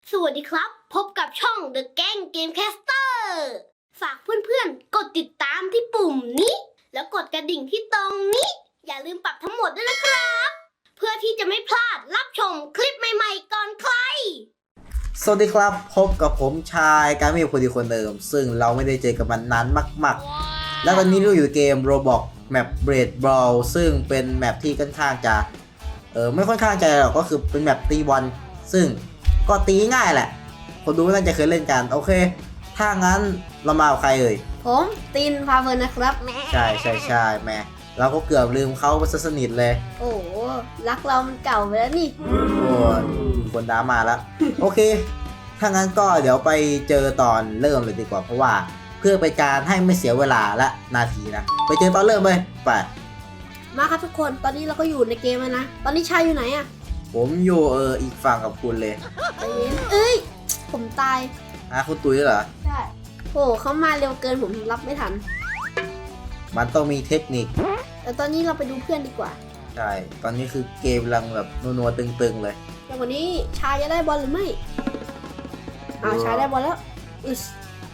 สวัสดีครับ พบกับช่อง The Gang Gamecaster ฝากเพื่อนๆ กดติดตามที่ปุ่มนี้ แล้วกดกระดิ่งที่ตรงนี้ อย่าลืมปรับทั้งหมดด้วยนะครับ เพื่อที่จะไม่พลาดรับชมคลิปใหม่ๆก่อนใครสวัสดีครับพบกับผมชายการมีคนดีคนเดิมซึ่งเราไม่ได้เจอกับมันนานมากๆแล้วตอนนี้เราอยู่เกม Roblox แมป Braid Brawl ซึ่งเป็นแมปที่ค่อนข้างจะไม่ค่อนข้างจะหรอกก็คือเป็นแมปตีบอลซึ่งก็ตีง่ายแหละคนดูน่าจะเคยเล่นกันโอเคถ้างั้นเรามากับใครเอ่ยผมตินพาเฟิร์นนะครับแม่ใช่แม่เราก็เกือบลืมเขาไปซะสนิทเลยโอ้รักเรามันเก่าไปแล้วนี่โอ้ยคนดรามาแล้ว โอเค ถ้างั้นก็เดี๋ยวไปเจอตอนเริ่มเลยดีกว่าเพราะว่าเพื่อเป็นการให้ไม่เสียเวลาและนาทีนะไปเจอตอนเริ่มเลยไปมาครับทุกคนตอนนี้เราก็อยู่ในเกมแล้วนะตอนนี้ชายอยู่ไหนอะผมอยู่อีกฝั่งกับคุณเลยใจเย็นเอ้ยผมตายคุณตุ้ยเหรอใช่โอ้เขามาเร็วเกินผมรับไม่ทันมันต้องมีเทคนิคแต่ตอนนี้เราไปดูเพื่อนดีกว่าใช่ตอนนี้คือเกมกำลังแบบนัวๆตึงๆเลยแต่วันนี้ชายจะได้บอลหรือไม่ชายได้บอลแล้วอึส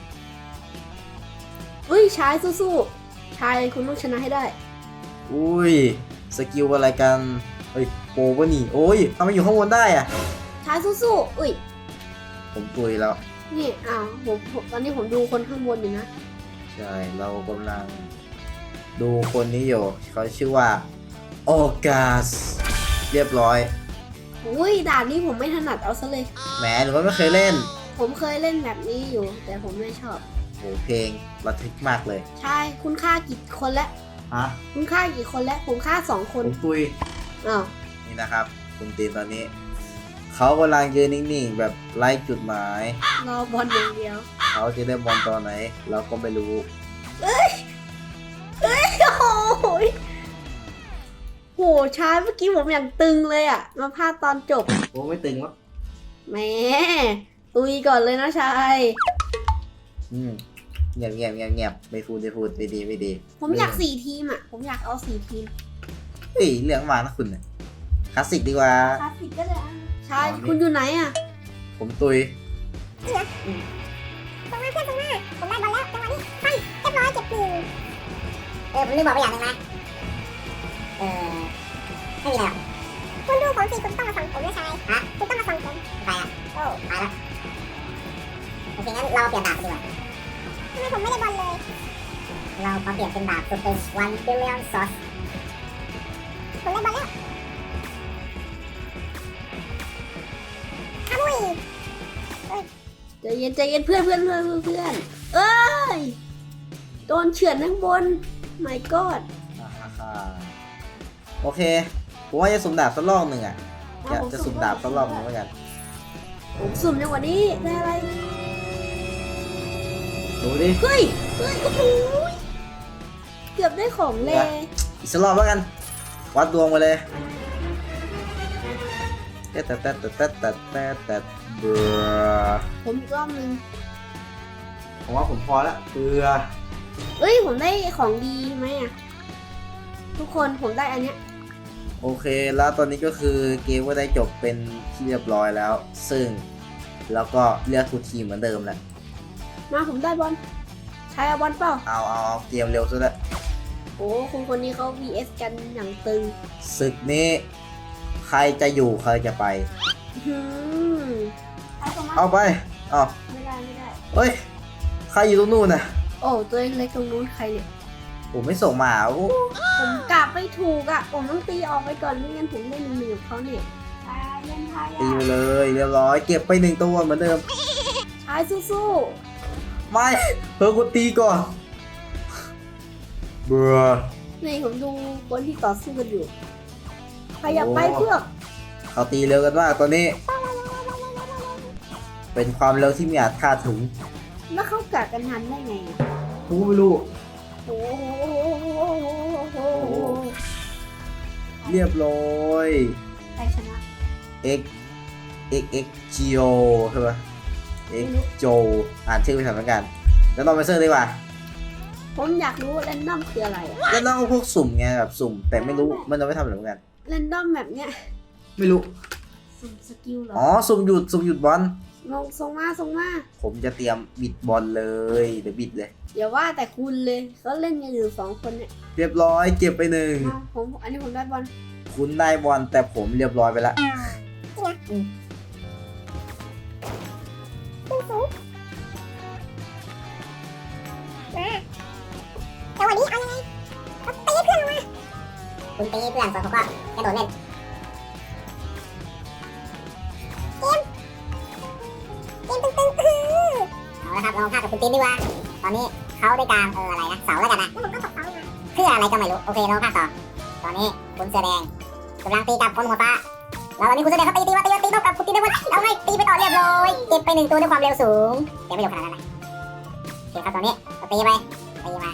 อุ้ยชายสู้ๆชายคุณต้องชนะให้ได้อุ้ยสกิลอะไรกันเฮ้ยโปวะนี่โอ้ยทำไมอยู่ข้างบนได้อะชายสู้ๆอุ้ยผมตุ้ยแล้วนี่ผมตอนนี้ผมดูคนข้างบนอยู่นะใช่เรากำลังดูคนนี้อยู่เขาชื่อว่าออกัสเรียบร้อยอุ้ยด่านนี้ผมไม่ถนัดเอาซะเลยแหมหรือว่าไม่เคยเล่นผมเคยเล่นแบบนี้อยู่ แต่ผมไม่ชอบโหเพลงระทึกมากเลยชายคุณฆ่ากี่คนแล้วฮะคุณฆ่ากี่คนแล้วผมฆ่า2 คนผมตุยอ้าวนี่นะครับคุณตีนตอนนี้เขากำลังยืนนิ่งๆแบบไล่จุดหมายรอบอลอย่างเดียวเขาจะได้บอลตอนไหน เราก็ไม่รู้โอ้ยโหชายเมื่อกี้ผมอย่างตึงเลยอ่ะ มาพลาดตอนจบโอ้ไม่ตึงหรอกแหมตุยก่อนเลยนะชายเงียบไม่พูดไม่ดีผมอยาก4 ทีมอ่ะ ผมอยากเอา4 ทีมเฮ้ยเรื่องมานะคุณเนี่ยคลาสสิกดีกว่าคลาสสิกก็ได้ชายคุณอยู่ไหนอ่ะผมตุยส่งมาเพื่อนส่งมาผมได้บอลแล้วจังหวะนี้ปั้งเรียบร้อยเก็บ1ผมลืมบอกไปอย่างหนึงนะไม่มีแล้วคุณดูผมสิคุณต้องมาส่งผมนะชายฮะคุณต้องมาส่งผมไปอ่ะโอ้ไปแล้วโอเคงั้นเราเปลี่ยนดาบดีกว่าทำไมผมไม่ได้บอลเลย เรามาเปลี่ยนเป็นดาบสุดเป็น1 billion sauce ผมได้บอลแล้วอามุยใจเย็นเพื่อนเอ้ยโดนเฉือนข้างบน my god โอเคผมว่าจะสุ่มดาบสักรอบหนึ่งอ่ะจะสุ่มดาบสักรอบหนึ่งแล้วกันผมสุ่มในวันนี้ได้อะไรดูดิเฮ้ยโอ้โหเกือบได้ของเลยอีกสักรอบแล้วกันวัดดวงมาเลยแต่เบื่อผมอีกรอบนึงผมว่าผมพอละเบื่อเอ้ยผมได้ของดีไหมอ่ะทุกคนผมได้อันเนี้ยโอเคแล้วตอนนี้ก็คือเกมก็ได้จบเป็นที่เรียบร้อยแล้ว ซึ่งแล้วก็เลือกทุกทีมเหมือนเดิมแหละมาผมได้บอลใช้เอาบอลเปล่าเอาเกมเร็วซะแล้วโอ้คุณคนนี้เขา vs กันอย่างตึงศึกนี้ใครจะอยู่ใครจะไปหืมเอาไปเอาไม่ได้เฮ้ยใครอยู่ตรงนู้นน่ะโอ้ตัวเล็กตรงนู้นใครเนี่ยผมไม่ส่งมาโอ้ผมกลับไม่ถูกอ่ะผมต้องตีออกไปก่อนไม่งั้นผมได้1-1กับเขาเนี่ยชายเล่นไทยตีไปเลยเรียบร้อยเก็บไป1 ตัวเหมือนเดิมชายสู้ไม่เพิ่งกูตีก่อนเบื่อๆนี่ผมดูคนที่ต่อสู้กันอยู่ขยับไปเพื่อกเขาตีเร็วกันมากตอนนี้ เป็นความเร็วที่ไม่อาจคาดถึงแล้วเขากัดกันทันได้ไงอะกูไม่รู้โอ้โหเรียบร้อยใครชนะ X Geo ใช่ปะ X Joe อ่านชื่อไปทำเหมือนกันแล้วลองไปเสิร์ชดีกว่าผมอยากรู้แรนดอมคืออะไรอะแล้วต้องเอาพวกสุ่มไงแบบสุ่มแต่ไม่รู้มันจะไม่ทำอะไรเหมือนกันแรนดอมแบบเนี้ยไม่รู้สุ่มสกิลเหรออ๋อสุ่มหยุดบอลลงส่งมาผมจะเตรียมบิดบอลเลยเดี๋ยวบิดเลยอย่าว่าแต่คุณเลยเขาเล่นกันอยู่2 คนเนี่ยเรียบร้อยเก็บไปหนึ่งอันนี้ผมได้บอลคุณได้บอลแต่ผมเรียบร้อยไปแล้วขึ้นสูงมาแต่วันนี้เอายังไงเอาตีเพื่อนลงมาคุณตีเพื่อนส่วนผมก็กระโดดเล่นเกมตึงเอาละครับลองพากกับคุณตีนดีกว่าตอนนี้เขาได้กลางอะไรนะเสาแล้วกันนะแล้วผมก็ตกเสามาเพื่ออะไรก็ไม่รู้โอเคลองพากต่อตอนนี้คุณเสื้อแดงกำลังตีกับคนหัวฟ้าแล้วตอนนี้คุณเสื้อแดงเขาตีเท่ากับคุณตีได้หมดเอาไงตีไปต่อเรียบร้อยเก็บไป1 ตัวด้วยความเร็วสูงยังไม่เร็วขนาดนั้นนะโอเคครับตอนนี้ก็ตีไปตีมา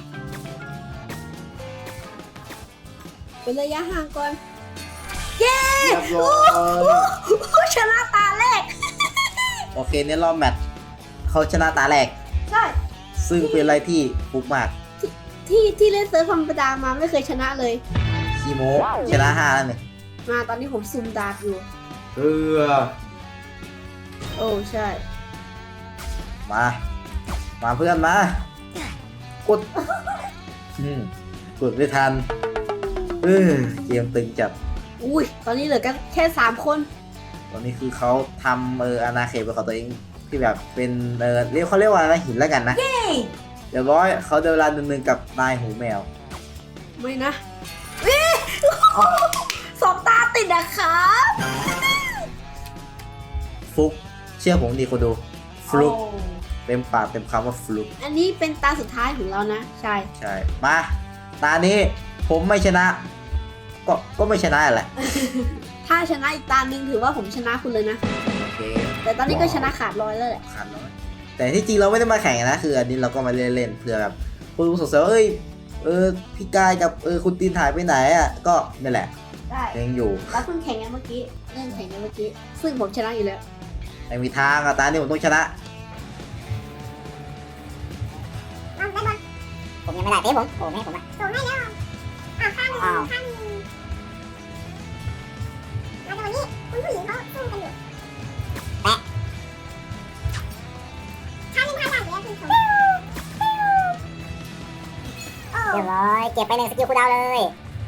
เป็นระยะห่างก่อนเรียบร้อยชนะตาแรกโอเคในรอบแมตช์เขาชนะตาแรกใช่ซึ่งเป็นอะไรที่ฟุกมากที่เล่นเซิร์ฟธรรมดามาไม่เคยชนะเลยคีโมชนะ5แล้วเนี่ยมาตอนนี้ผมซุ่มดาบอยู่ โอ้ใช่มาเพื่อนมากดกดไม่ทันเกมตึงจัดอุ้ยตอนนี้เหลือกันแค่3 คนตอนนี้คือเขาทำอาณาเขตเป็นของตัวเองที่แบบเป็นเขาเรียกว่าอะไรหินแล้วกันนะเรียบร้อยเขาเดินเวลา1-1กับนายหูแมวไม่นะสอบตาติดอะครับฟุกเชื่อผมดีคนดูฟลุกโอ้เต็มปากเต็มคำว่าฟลุกอันนี้เป็นตาสุดท้ายของเรานะ ใช่ใช่มาตานี้ผมไม่ชนะ ก็ไม่ชนะแหละถ้าชนะอีกตาหนึ่งถือว่าผมชนะคุณเลยนะโอเคแต่ตอนนี้ก็ชนะขาดลอยแล้วแหละขาดน้อยแต่ที่จริงเราไม่ได้มาแข่งนะคืออันนี้เราก็มาเล่นๆเผื่อแบบคุณสงสัยว่าพี่กายกับคุณตีนหายไปไหนอ่ะก็นี่แหละได้ยังอยู่แล้วเพิ่งแข่งกันเมื่อกี้เล่นแข่งกันเมื่อกี้ ซึ่งผมชนะอยู่แล้วไม่มีทางอะตานี้ผมต้องชนะเอาได้บอลผมยังไม่ได้เตะผมโอ้ไม่ให้ผมอ่ะส่งให้แล้วข้างหนึ่งแล้วแต่วันนี้คุณผู้หญิงเขาสู้กันอยู่แปะข้างหนึ่งข้างหลังเลยคุณผู้ชมเรียบร้อยเก็บไป1 สกิลคูลดาวน์เลย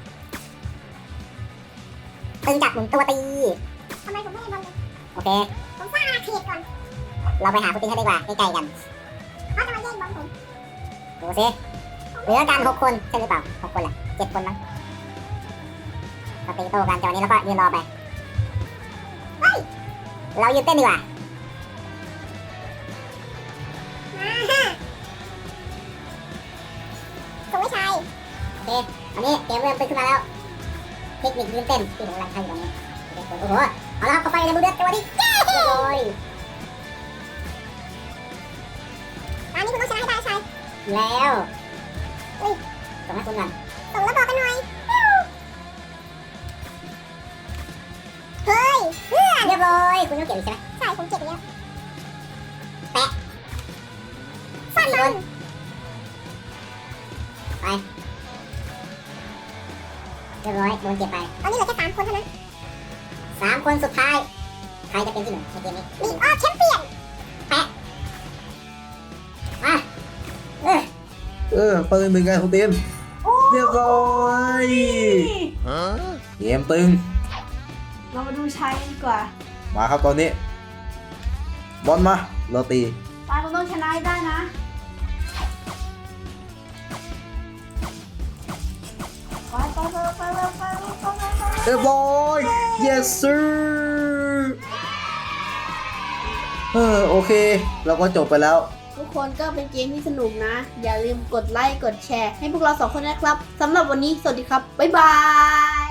ตึงจับหมุนตัวตีทำไมผมไม่ได้บอลเลยโอเคผมสร้างอาณาเขตก่อนเราไปหาคุณตีนให้ดีกว่าใกล้ๆกันเขาจะมาแย่งบอลผมดูสิเหลือกัน6 คนใช่หรือเปล่า6 คนแหละ7 คนมั้งเราตีโต้กันจังหวะนี้แล้วก็ยืนรอไปเฮ้ยเรายืนเต้นดีกว่าส่งไม่ใช่โอเคตอนนี้เกมเริ่มตึงขึ้นมาแล้วเทคนิคยืนเต้นที่ผมกำลังทำอยู่ตอนนี้โอ้โหเอาละครับเข้าไปในบูเดือดจังหวะนี้เย้เลยตอนนี้คุณต้องชนะให้ได้ใช่แล้วส่งให้คุณก่อนส่งแล้วบอกกันหน่อยเฮ้ยเพื่อนเรียบร้อยคุณต้องเก็บอีกใช่ไหมใช่ผมเก็บไปแล้วแปะสั้นมันไปเรียบร้อยโดนเก็บไปตอนนี้เหลือแค่3 คนเท่านั้น3 คนสุดท้ายใครจะเป็นที่ 1ในเกมนี้ลีกออฟแชมเปี้ยนแปะมาเปิด1กันคุณตีนเรียบร้อยเกมตึงเรามาดูชัยกันดีกว่ามาครับตอนนี้ บอลมาเราตีตาเราต้องชนะให้ได้นะไปเรียบร้อย yes sir โอเค เราก็จบไปแล้วทุกคนก็เป็นเกมที่สนุกนะ อย่าลืมกดไลค์กดแชร์ให้พวกเรา2 คนนะครับสำหรับวันนี้สวัสดีครับ บ๊ายบาย